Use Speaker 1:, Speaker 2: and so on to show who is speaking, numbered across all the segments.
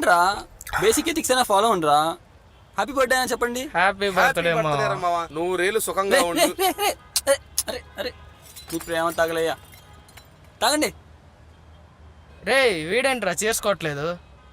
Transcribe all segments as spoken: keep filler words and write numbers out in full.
Speaker 1: ఏంట్రా basic ethics అయినా follow ఉండరా. హ్యాపీ బర్త్డే అని చెప్పండి.
Speaker 2: హ్యాపీ బర్త్డే
Speaker 3: మావా. నువ్వు రేలు సుఖంగా
Speaker 1: రే,
Speaker 3: ఉండు.
Speaker 1: రే, రే, రే. అరే అరే మీ ప్రేమ తాగలయ్యా. తాగండి.
Speaker 2: రే వీడేంట్రా చేసుకోవట్లేదు.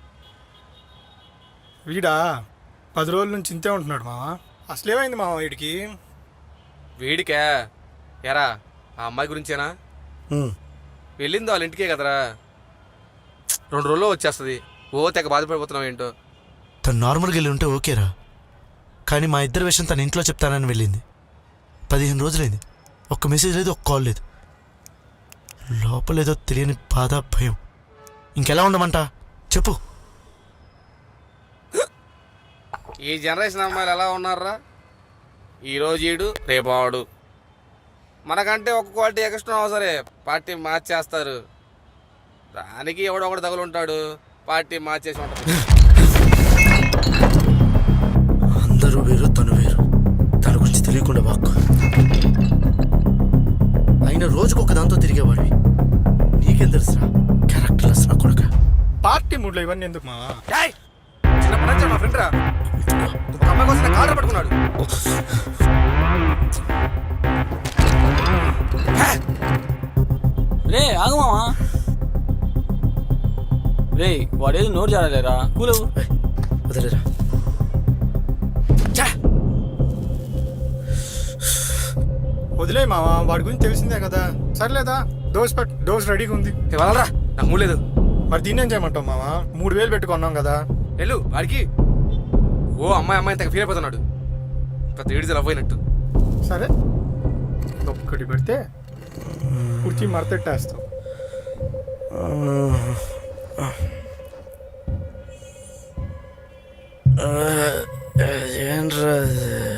Speaker 4: వీడా పది రోజుల నుంచి ఇంతే ఉంటున్నాడు మావా. అసలేమైంది మావా వీడికి?
Speaker 3: వీడికా ఎరా ఆ అమ్మాయి గురించేనా? వెళ్ళింది వాళ్ళ ఇంటికే కదరా, రెండు రోజుల్లో వచ్చేస్తుంది. ఓ తెగ బాధపడిపోతున్నావు ఏంటో.
Speaker 5: తను నార్మల్గా వెళ్ళి ఉంటే ఓకేరా, కానీ మా ఇద్దరి విషయం తన ఇంట్లో చెప్తానని వెళ్ళింది. పదిహేను రోజులైంది, ఒక్క మెసేజ్ లేదు, ఒక్క కాల్ లేదు. లోపలేదో తెలియని బాధ, భయం. ఇంకెలా ఉండమంట చెప్పు.
Speaker 3: ఈ జనరేషన్ అమ్మాయిలు ఎలా ఉన్నారా? ఈరోజు ఈడు రేపు ఆడు. మనకంటే ఒక క్వాలిటీ ఎక్స్ట్రా అవసరే పార్టీ మార్చేస్తారు. దానికి ఎవడో ఒకటి తగులుంటాడు, పార్టీ మార్చేసి ఉంటాడు.
Speaker 5: అందరూ వేరు, తను వేరు. తన గురించి తెలియకుండా వాక్కు. అయినా రోజుకు ఒక దాంతో తిరిగేవాడివి, నీకేం తెలుసురా? క్యారెక్టర్ లెస్ నా కొడుక.
Speaker 4: పార్టీ మూడ్లో ఇవన్నీ ఎందుకు మావా?
Speaker 3: చిన్నప్పటి నుంచి మా ఫ్రెండ్ రా, ఒక అమ్మాయి కోసం కాలర్ పట్టుకున్నాడు.
Speaker 1: రే ఆగు మావా. రే వాడేది నోరు జారలేరా, కూలవు.
Speaker 5: వదిలేరా.
Speaker 4: వదిలే మావా, వాడి గురించి తెలిసిందే కదా. సర్లేదా, డోస్ పట్ డోస్ రెడీగా ఉంది.
Speaker 3: వాళ్ళరా నాకు మూలేదు.
Speaker 4: మరి దీన్ని ఏం చేయమంటావు మావా? మూడు వేలు పెట్టుకున్నాం కదా.
Speaker 3: వెళ్ళు వాడికి. ఓ అమ్మాయి అమ్మాయి తెగ ఫీల్ అయిపోతున్నాడు, పెద్ద ఏడిజలు అవ్వయినట్టు.
Speaker 4: సరే ఒక్కటి పెడితే కుర్చీ మరతెట్టేస్తాం.
Speaker 5: ఏంట్రా